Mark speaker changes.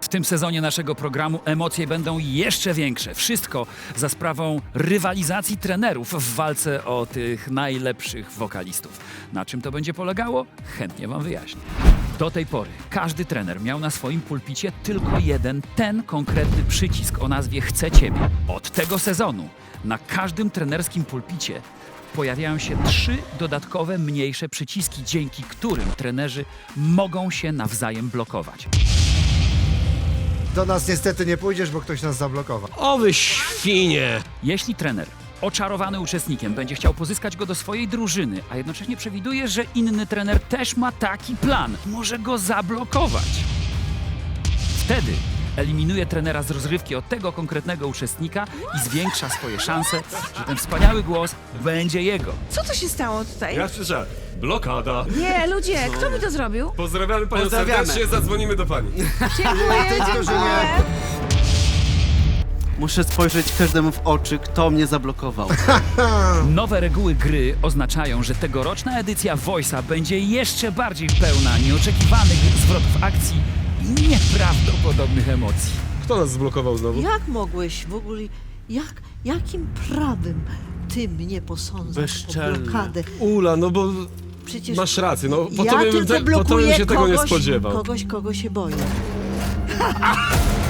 Speaker 1: W tym sezonie naszego programu emocje będą jeszcze większe. Wszystko za sprawą rywalizacji trenerów w walce o tych najlepszych wokalistów. Na czym to będzie polegało? Chętnie wam wyjaśnię. Do tej pory każdy trener miał na swoim pulpicie tylko jeden, ten konkretny przycisk o nazwie Chcę Ciebie. Od tego sezonu na każdym trenerskim pulpicie pojawiają się 3 dodatkowe, mniejsze przyciski, dzięki którym trenerzy mogą się nawzajem blokować.
Speaker 2: Do nas niestety nie pójdziesz, bo ktoś nas zablokował.
Speaker 3: O wy świnie!
Speaker 1: Jeśli trener oczarowany uczestnikiem będzie chciał pozyskać go do swojej drużyny, a jednocześnie przewiduje, że inny trener też ma taki plan, może go zablokować. Wtedy eliminuje trenera z rozrywki od tego konkretnego uczestnika i zwiększa swoje szanse, że ten wspaniały głos będzie jego.
Speaker 4: Co to się stało tutaj?
Speaker 3: Ja słyszę, blokada.
Speaker 4: Nie, ludzie, kto mi to zrobił?
Speaker 3: Pozdrawiamy panią
Speaker 5: Pozdrawiamy.
Speaker 3: serdecznie, zadzwonimy do pani.
Speaker 4: Dziękuję,
Speaker 2: Tych, którzy
Speaker 4: dziękuję.
Speaker 2: nie-
Speaker 5: Muszę spojrzeć każdemu w oczy, kto mnie zablokował.
Speaker 1: Nowe reguły gry oznaczają, że tegoroczna edycja Voice'a będzie jeszcze bardziej pełna nieoczekiwanych zwrotów akcji i nieprawdopodobnych emocji.
Speaker 3: Kto nas zblokował znowu?
Speaker 6: Jak mogłeś w ogóle, jakim prawem ty mnie posądzasz o
Speaker 5: Bezczelny.
Speaker 6: blokadę?
Speaker 3: Ula, no bo
Speaker 6: Przecież
Speaker 3: masz rację, no po
Speaker 6: ja
Speaker 3: tobie
Speaker 6: tylko
Speaker 3: bym, po tobie bym
Speaker 6: blokuję
Speaker 3: się tego nie spodziewał.
Speaker 6: kogoś, kogo się boję.